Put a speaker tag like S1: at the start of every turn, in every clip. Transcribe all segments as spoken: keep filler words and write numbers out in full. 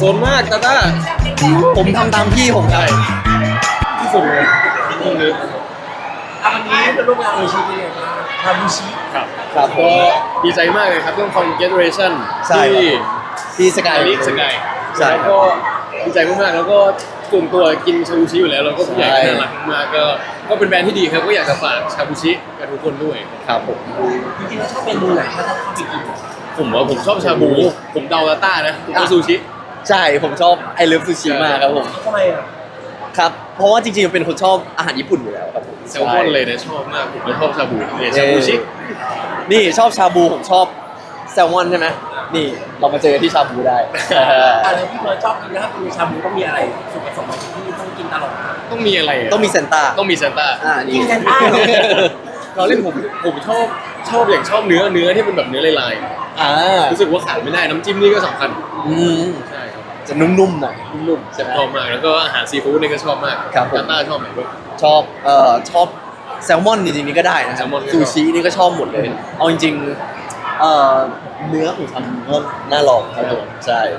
S1: นมากตาต้า
S2: ผมทำตามพี่ผมได้
S1: ที่สุดเลยตรงนี้
S3: วันนี้เป็นร่วมงานโอชิเป็นไงบ้างทาบูชิ
S1: ครับครับก็ดีใจมากเลยครับเรื่อง Congratulation ที่
S2: ที่สกาย
S1: ลิกสกาย
S2: ใช่
S1: ก็ดีใจมากๆแล้วก็กลุ่มตัวกินชาบูชิอยู่แล้วเราก็ผู้ใหญ่น่ารักมากก็ก็เป็นแบรนด์ที่ดีครับก็อยากจะฝากชาบูชิกับทุกคนด้วย
S2: ครับผม
S3: จริงๆแล้วชอบเมนูไหนถ้าถ้าเข้าไปกิน
S1: ผมว่าผมชอบชาบูผมเดาตาต้านะผมก็ซูชิ
S2: ใช่ผมชอบไอเลิฟซูชิมากครับผม
S3: ทำไมอ่ะ
S2: ครับเพราะว่าจริงๆเป็นคนชอบอาหารญี่ปุ่นอยู่แล้วครับผม
S1: แซลมอนเลยนะชอบมากผมก็ชอบชาบูเนี่ยชาบูชิ
S2: นี่ชอบชาบูผมชอบแซลมอนใช่ไหมนี่เรามาเจอที่ชาบูได้
S3: อะไรที่เราชอบกินนะครับคือชาบูต้องมีอะไรส่วนผสมที่ต้องกินตลอด
S1: ต้องมีอะไร
S2: ต้องมีเซนต้า
S1: ต้องมีเซนต้า
S2: อ่า
S3: กินเซนต้า
S1: เราเล่นผมผมชอบชอบอย่างชอบเนื้อเนื้อที่เป็นแบบเนื้อลาย
S2: ๆอ่า
S1: รู้สึกว่าขาดไม่ได้น้ำจิ้มนี่ก็สำคัญ
S2: อืม
S1: ใช่ครับ
S2: จะนุ่มๆหน่อย
S1: นุ่มๆชอบมากแล้วก็อาหารซีฟู้ดนี่ก็ชอบมาก
S2: ครับผม
S1: ต้าชอบไหนด้วย
S2: ชอบเอ่อชอบแซลมอนจริงๆนี่ก็ได้นะครับซูชินี่ก็ชอบหมดเลยเอาจริงๆเอ่อเนื้อของทำก็น่าลองครับผมใช่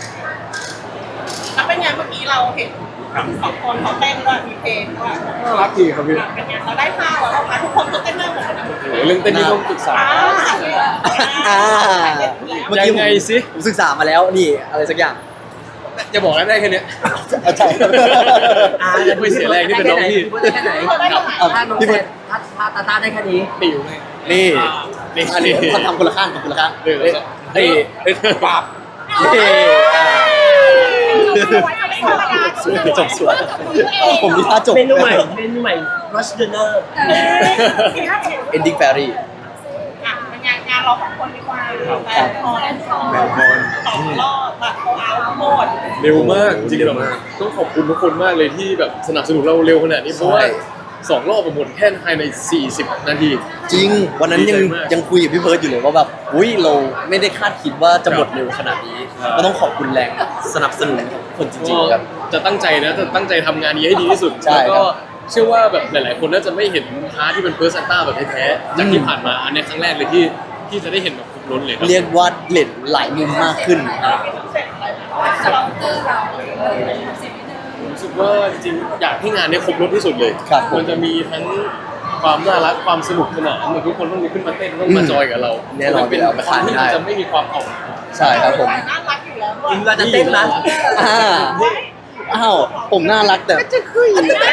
S4: แล้วเป็นไงเมื่อกี้เราเห็นสองคนเขาเต้นด้วยมีเพลงด้วย
S1: น่ารักดีครับพี่
S4: เป็นไงเราได้ท่าแล้วคะทุกคนก็เต้นได้หมดเลย
S1: โอ้เรื่องเต้นนี่ต้องศึกษา
S2: อ่า
S1: เมื่อกี้ไงสิ
S2: ผมศึกษามาแล้วนี่อะไรสักอย่าง
S1: จะบอกได้แค่นี้
S2: ใช่
S3: อ่า
S1: ไม่เสียแรงที่เป็นน้องพี่
S3: ได้แค่ไหนถ้าน้องแซนถ้าถ้าตาต้าได้แค่นี้
S1: ติวเลย
S2: นี่
S1: นี่
S2: อันนี้เขาทำคนละข้างทำคนละข้าง
S1: เฮ้ยเฮ้ยปราบ
S2: จบสวยผมมีท่าจบ
S3: เมนูใหม่เมนูใหม่ Rush Dinner
S2: Ending Fairy
S4: งานงานเราสองคนดีกว่าแบนพอนสองสองรอบแบบโคอาร์หมด
S1: เร็วมากจริงๆต้องขอบคุณทุกคนมากเลยที่แบบสนับสนุนเราเร็วขนาดนี้เพราะว่าสองรอบหมดแค่ภายในสี่สิบนาที
S2: จริงวันนั้นยังยังคุยกับพี่เพิร์ดอยู่เลยว่าแบบอุ้ยเราไม่ได้คาดคิดว่าจะหมดเร็วขนาดนี้ก็ต้องขอบคุณแรงสนับสนุนของคนจริงๆครับ
S1: จะตั้งใจนะจะตั้งใจทำงานนี้ให้ดีที่สุดแล้วก็เชื่อว่าแบบหลายๆคนน่าจะไม่เห็นพาร์ทที่เป็นเพิร์สซันต้าแบบแท้ๆจากที่ผ่านมาอันนี้ครั้งแรกเลยที่ที่จะได้เห็นแบบครบล้นเลยครับ
S2: เรียกว่าเล่นหลายมุมมากขึ้น
S1: รู้สึกว่าจริงอยากให้งานนี้ครบรถที่สุดเลยมันจะมีทั้งความน่ารักความสนุกสนานเหมือนทุกคนต้องลุกขึ้นมาเต้นต้องมาจอยกับเรา
S2: แน่นอน
S1: เป็นความที่จะไม่มีความอ่อน
S2: ใช่ครับผม
S4: น่ารักอยู่แล้วด้วย
S3: เราจะเต้นนะ
S2: อ้าวผมน่ารักแต่จะคุย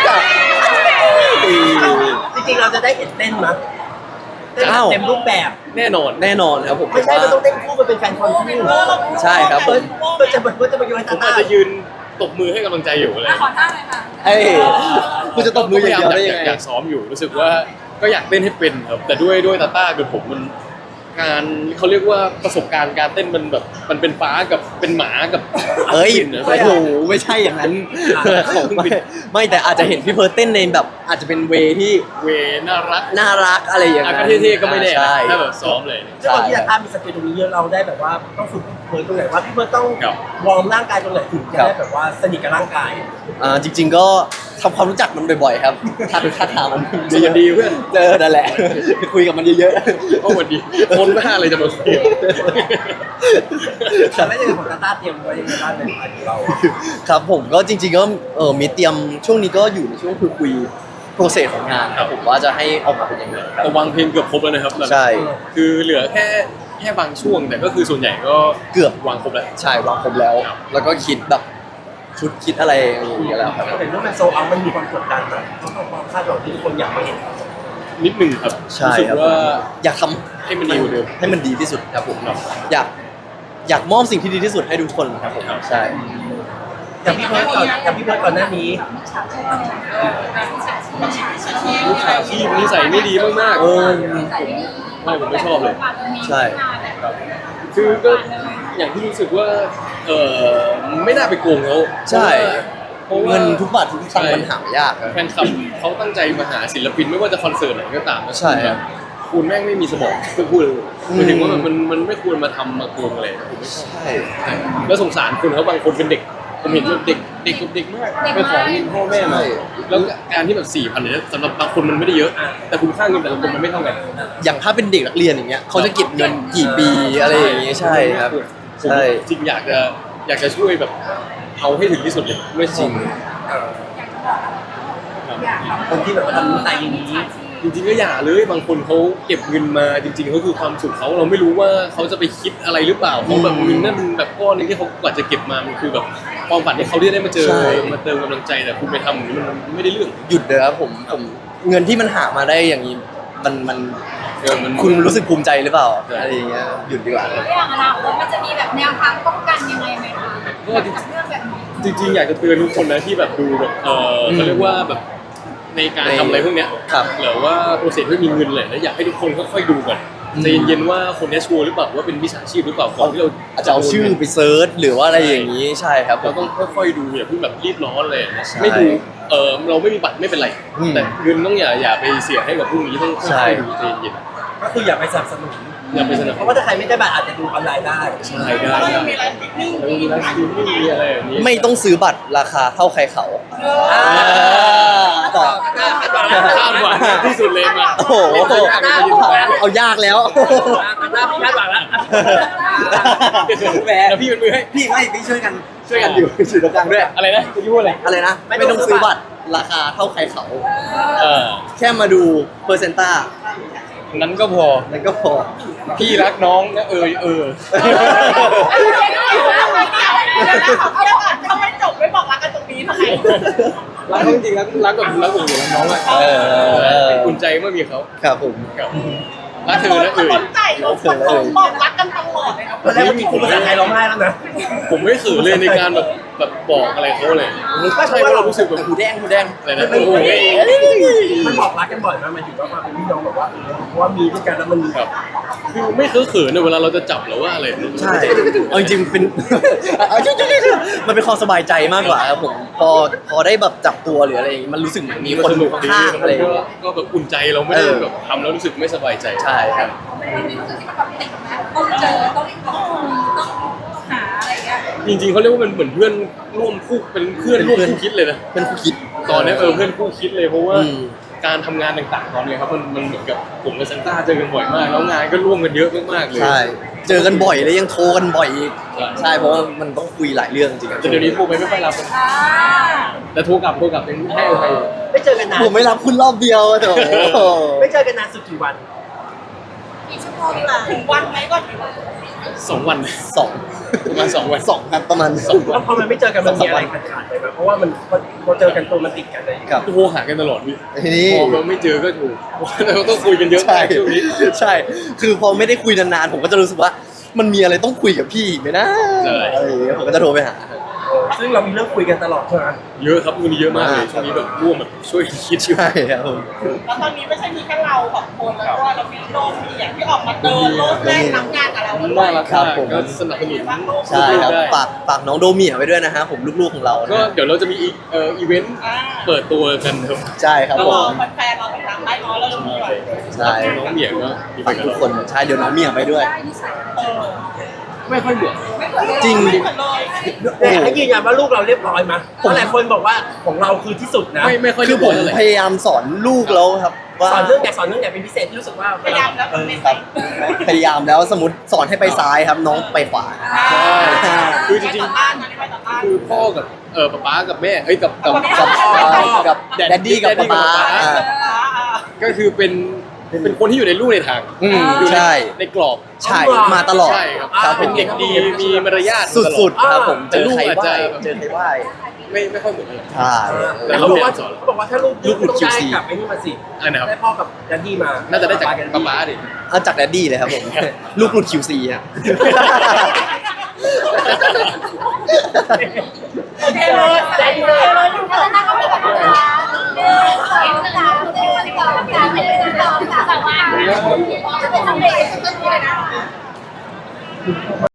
S3: จริงๆเราจะได้เห็นเต้นมั้ยเต็มรูปแบบ
S1: แน่นอน
S2: แน่นอนครับผม
S3: ไม่ใช่เราต้องเต้นคู่มันเป็นแฟนคอนคู่
S2: ใช่ครับผม
S3: จะแบบว่าจะมาโยน
S1: ผมอาจจะยืนตบมือให้กำลังใจอยู่เลย
S4: ขอท่าเลยค่ะ
S2: เอ้ยคุณจะตบมืออย่างเดียวได้ยังไง
S1: อยากซ้อมอยู่รู้สึกว่าก็อยากเต้นให้เป็นครับแต่ด้วยด้วยตาต้ากับผมมันการเขาเรียกว่าประสบการณ์การเต้นมันแบบมันเป็นฟ้ากับเป็นหมากับ
S2: เอ้ยโอ้โหไม่ใช่อย่างนั้นไม่ไม่แต่อาจจะเห็นพี่เพิร์ดเต้นในแบบอาจจะเป็นเวที่
S1: เวน่ารัก
S2: น่ารักอะไรอย่าง
S1: นั้
S2: น
S1: ก็เท่ๆก็ไม่ได้ถ้าแบบซ้อมเลย
S3: ใช่ที่ตาต้ามีสกิลตรงนี้เยอะเราได้แบบว่าต้องฝึกเพิร์ดตรงไหนว่าพี่เพิร์ดต้องวอร์มร่างกายตรงไหนถึงจะได้แบบว่าสนิทกับร่างกาย
S2: อ่าจริงๆก็ทำความรู้จักมันบ่อยๆครับถ้าถ้าถามมัน
S1: จะดีเพื่อน
S2: เจอนั่นแหละคุยกับมันเยอะ
S1: ๆโอ้วันดีคนไม่ห้าอะไรจะมาคุย
S3: แต่ไม่ใช่ของตาต้าเตรียมไว้ในบ้านในบ้านของเรา
S2: ครับผมก็จริงๆก็เออมีเตรียมช่วงนี้ก็อยู่ในช่วงคุยคุยโปรเซสของงานครับผมว่าจะให้ออกมาเป็นยังไง
S1: แต่วางเพลงเกือบครบแล้วนะครับ
S2: ใช่
S1: คือเหลือแค่แค่บางช่วงแต่ก็คือส่วนใหญ่ก็
S2: เกือบ
S1: วางครบแล้ว
S2: ใช่วางครบแล้วแล้วก็คิดแบบชุดคิดอะไรอย่างเงี้ยแล้วครับ
S3: เห็นว่ามันโซเอามันมีความกดดันนะต้องความคาดหวังที่ทุกคนอยากมาเห็น
S1: นิดหนึ่งครับรู้สึกว่า
S2: อยากทำ
S1: ให้มันดีกว่าเดิม
S2: ให้มันดีที่สุดครับผมอยากอยากมอบสิ่งที่ดีที่สุดให้ทุกคนครับผมใช่
S3: อย่างพี่เพิร์ดก่อนอย่างพี่เพิร์ดก่อนหน้านี้
S1: ลูกค้าที่นิสัยไม่ดีมากๆเออไม่ผมไม่ชอบเลย
S2: ใช่
S1: คือก็อย่างที่รู้สึกว่าเออไม่น่าไปโกงเขา
S2: ใช่เงินทุกบาททุกสตางค์มันหายาก
S1: แฟนคลับเขาตั้งใจมาหาศิลปินไม่ว่าจะคอนเสิร์ตไหนก็ตาม
S2: ใช่
S1: คุณแม่งไม่มีสมองคือพูดหมายถึงว่ามันมันไม่ควรมาทำมาโกงอะไรผมไม่ชอบ
S2: ใช่
S1: แล้วสงสารคุณเขาบางคนเป็นเด็กผมเห็นว่าเด็กเด็กกับเด็กมากไปขอเงินพ่อแม่มาแล้วการที่แบบสี่พันเนี่ยสำหรับบางคนมันไม่ได้เยอะแต่คุณค่าเงินแต่ละคนมันไม่เท่ากัน
S2: อย่างถ้าเป็นเด็กนักเรียนอย่างเงี้ยเขาจะเก็บเงินกี่ปีอะไรอย่างเงี้ยใช่ครับ
S1: ใช่จริงอยากจะอยากจะช่วยแบบเอาให้ถึงที่สุดเลยไม่จริง
S3: เออคนที่แบบว่าทำใจอย่างนี้
S1: จริงๆก็อย่าเลยบางคนเขาเก็บเงินมาจริงๆเขาคือความสุขเขาเราไม่รู้ว่าเขาจะไปคิดอะไรหรือเปล่าเขาแบบเงินนั่นมันแบบก้อนนึงที่เขากว่าจะเก็บมามันคือแบบความฝันที่เขาได้มาเจอมาเติมกำลังใจแต่คุณไปทำอย่างนี้มันไม่ได้เรื่อง
S2: หยุดเลยครับผมผมเงินที่มันหามาได้อย่างนี้มันมัน
S1: เออมัน
S2: คุณรู้สึกภูมิใจหรือเปล่าอะไรอย่างเงี้ยหยุดดีกว่า
S4: แล้วอย่างอนาคตมันจะมีแบบแนวทางป้องกันยังไงไหมคะ
S1: ก็
S4: กับเรื่องแบบนี้
S1: จริงๆอยากจะเตือนทุกคนนะที่แบบดูแบบเออเขาเรียกว่าแบบในการทำอะไรพวกเนี้ย
S2: ครับ
S1: หรือว่าโปรเซสไม่มีเงินเลยแล้วอยากให้ทุกคนค่อยๆดูก่อนใจเย็นๆว่าคนนี้ชัวร์หรือเปล่าว่าเป็นมิจฉาชีพหรือเปล่าก่อนที่เรา
S2: อาจจะเอาชื่อไปเซิร์ชหรือว่าอะไรอย่างนี้ใช่ครับผ
S1: เรา
S2: ม
S1: ต้องค่อยๆดูอย่าเพิ่งแบบรีบร้อนเลย
S2: ใช่
S1: ไม่ดูเออเราไม่มีบัตรไม่เป็นไร
S2: อืม
S1: แต่เงินต้องอย่าอย่าไปเสียให้กับพวกนี้ต้องค่
S2: ใช่
S1: อยๆดูใจเย็น
S3: ก็คืออย่าไปสนับสนุน
S1: ๆอย่าไปสนับ
S3: เพราะว่าถ้าใครไม่ได้บัตรอาจจะดูออนไลน์ได้
S1: ใช่ได้
S4: แล้ว
S1: ได้
S4: ยังมีไลฟ์สตรีมมิ่ง
S1: แล้วมีไลฟ์สตรีมมิ่งมีอะไรอย่างนี้
S2: ไม่ต้องซื้อบัตรราคาเท่าใครเขา
S3: อ่า
S2: ต่อ
S1: คาดหวังที่สุดเลยมา
S2: โอ้โหเอายากแล้ว
S3: หน้าพี่คาดหวังแล้ว
S2: แหม
S1: แล้วพี่เป็นมือให้
S2: พี่ไม่พี่ช่วยกันช่วยกันอยู่สื่อตรงกลางด้วย
S1: อะไรนะจะพูดอะไร
S2: อะไรนะไม่ต้องซื้อบัตรราคาเท่าใครเขา
S1: เออ
S2: แค่มาดูเปอร์เซนต้า
S1: นั้นก็พอ
S2: นั่นก็พอ
S1: พี่รักน้องนะเออเออ
S4: ทำไมจบไม่บอกรักกันตรงนี้ทำไม
S1: รักเขาจริงๆรักรักกับรักผมอยู่รักน้องอะ
S2: เออ
S1: อุ่นใจเมื่อมีเขา
S2: ครับผม
S1: ครับรักเธอนะเอ่ย
S4: คนใจเราคนบอกรักกันตลอดเลยครับ
S3: ตอนแรกมันมีคู่ภาษาไทยร้องไห้แล้วนะ
S1: ผมไม่ขืนเลยในการแบบแบบบอกอะไรเขาเลย
S3: ก็
S1: ใช่
S3: ใช่ว่า
S1: ว่า
S3: เรา
S1: เรารู้สึกแบบ
S2: หูแดงหูแดง
S1: อะไรนะโอ้โห
S3: มันบอกรักกันบ่อยมากมันถือว่ามาเป็นพี่น้องแบบว่าเออเพราะว่ามีด้วยกันแล้วมันมี
S1: ครับคือไม่เคยเขินเลยเวลาเราจะจับหรือว่าอะไร
S2: ใช่เอาจริงๆเป็น มันเป็นความสบายใจมากกว่าครับผมพอพอได้แบบจับตัวหรืออะไรอย่างงี้มันรู้สึกเหมือนมีคน
S1: สนุกดี
S2: ข้างๆอะไรอย่าง
S1: ก็
S2: เงี้ย
S1: ก็แบบอุ่นใจเราไม่ได้
S2: เออ
S1: แบบทำแล้วรู้สึกไม่สบายใจ
S2: ใช่ครับ
S4: มันมีรู้สึกที่มันแบบติดนะต้องเจอต้องต้องต้องหาอะไรเงี้ย
S1: จริงๆเขาเรียกว่ามันเหมือนเพื่อนร่วมคู่เป็นเพื่อนร่วมคู่คิดเลยนะ
S2: เป็นผู้คิด
S1: ตอนนี้เออเพื่อนคู่คิดเลยเพราะว่า
S2: อืม
S1: การทำงานต่างๆตอนนี้ครับมันมันเหมือนกับผมกับซันต้าเจอกันบ่อยมากแล้วงานก็ร่วมกันเยอะมากๆเลย
S2: ใช่ เจอกันบ่อยแล้วยังโทรกันบ่อยอีก
S1: ใช่
S2: ใช่เพราะว่ามันต้องคุยหลายเรื่องจริงๆ
S1: แต่เดี๋ยวนี้โทรไปไม่ค่อยรับกัน
S4: อ่า
S1: แต่โทรกลับโทรกลับยังให้อภัย
S3: ไม่เจอกันนาน
S2: ผมไม่รับคุณรอบเดียวอะโถ
S3: ไม่เจอกันนานสุดกี่วัน
S4: กี่ชั่วโมงล่ะถึงวันไหมก็ถึง
S1: สองวัน
S2: สอง
S1: ประมาณสองวัน
S2: สองครับประมาณ
S1: สองวั
S3: แล้วพอมันไม่เจอกันมันมีอะไรขาดขาดไปไหมเพราะว่ามันพอเจอกันตัวมันติดกันเลย
S2: ครับ
S1: โทรหากันตลอดพี่
S2: ทีนี้
S1: พอเราไม่เจอก็ถูกเราต้องคุยกันเยอะ
S2: ใช่
S1: มากช่วงนี้
S2: ใช่ คือพอไม่ได้คุยนานๆผมก็จะรู้สึกว่า มันมีอะไรต้องคุยกับพี่อีกไหมนะ
S1: ใช่
S2: อะไรอย่างเงี้ยผมก็จะโทรไปหา
S3: ซึ่งเรามีเรื่องคุยกันตลอดใช่ไหม
S1: เยอะครับวันนี้เยอะมากเลยช่วงนี้แบบร่วมแบบช่วยคิดอยู่
S2: ใช่ครับผม
S4: แล้วตอนนี้ไม่ใช่มีแค่เราสองคนแล้วก็เรามีโลกมีอย่างที่ออกมาเดินโลกแรกรับงานกับเราด้วย
S1: น่ารัก
S2: ครับ
S1: มาก
S2: ผม
S1: ก็สนับสนุน
S2: ใช่ครับ
S1: ได้
S2: ฝากฝากน้องโดเมียไว้ด้วยนะฮะผมลูกๆของเรานะ
S1: ก็เดี๋ยวเราจะมีอีเอ่ออีเวนต์
S4: อ่า
S1: เปิดตัวกันครับ
S2: ใช่ครับ
S4: แล้ว
S2: ผ
S4: รอ
S2: ม
S4: แฟนๆเราติดตามได้เนาะเริ่มด้วย
S2: ใช่
S1: น้องเหมียก็มีไป
S2: ฝาก
S1: กับ
S2: ทุก
S1: เรา
S2: คนใช่เดี๋ยวน้องเมียไปด้วย
S4: เออ
S1: ไม่ค่อยเหมือน
S4: ไม่เหมือนเลย
S2: จริง
S4: ไม่เหมือนเลย
S3: แต่ให้ยืนยันว่าลูกเราเรียบร้อยมั้ยเพราะหลายคนบอกว่าของเราคือที่สุดนะ
S1: ไม่ไม่ค่อย
S2: คือผม
S1: เท่าไหร่
S2: พยายามสอนลูกแล้วครับว่า
S3: สอนเรื่องไหนสอนเรื่องไหนเป็นพิเศษที่รู้สึกว่า
S4: พยายามแล้ว
S3: เออ
S4: เป็น
S2: ค
S4: ไป
S2: รับพยายามแล้วสมมติสอนให้ไปซ้ายครับน้องไปขวา
S1: ใช่คือจริง
S4: ไปต่อต้านนะไปต่อต้าน
S1: ๆคือพ่อกับเออป๊าป๊ากับแม่เอ้ยกับกับ
S2: กับ
S1: กับ
S2: กับแดดดี้กับป๊าป๊าอ่า
S1: ก็คือเป็นเป็นคนที่อยู่ในลู่ในทาง
S2: อืม
S1: อยู่ใน
S2: ใช่
S1: ในกรอบ
S2: ใช่มาตลอด
S1: ใช่ครับ
S2: ครับผ
S1: เป็น
S2: ม
S1: เด็กดีมีมารยาท
S2: สุดๆครับผม
S1: แต่
S2: เจอ
S1: ลูก
S2: ใคร
S1: อาจ
S2: ไหว้
S1: จะ
S2: เจอใครไหว้
S1: ไม่ไม่ค่อยเหมือนกัน
S2: ใช่
S3: แต่เขาบอกว่าเขาบอกว่าถ้าลูก
S2: ลูกหลุด
S3: ต้อง
S2: คิว
S3: ได้
S2: ซี
S3: กลับไอ้นี่มาสิ
S1: อันนะครับ
S3: ได้พ่อกับดัดดี้มา
S1: น่าจะได้จากป๊าป๊าดิ
S2: เอาจากแดดดี้เลยครับผม ลูกหลุด คิว ซี ฮะ
S4: โอเคเลยใจเลยเลยอยู่กับนั่งก็มีแบบว่าเออสองสามสี่สองสามสี่สองสามสามจะเป็นทำเลต้นนี้เลยนะ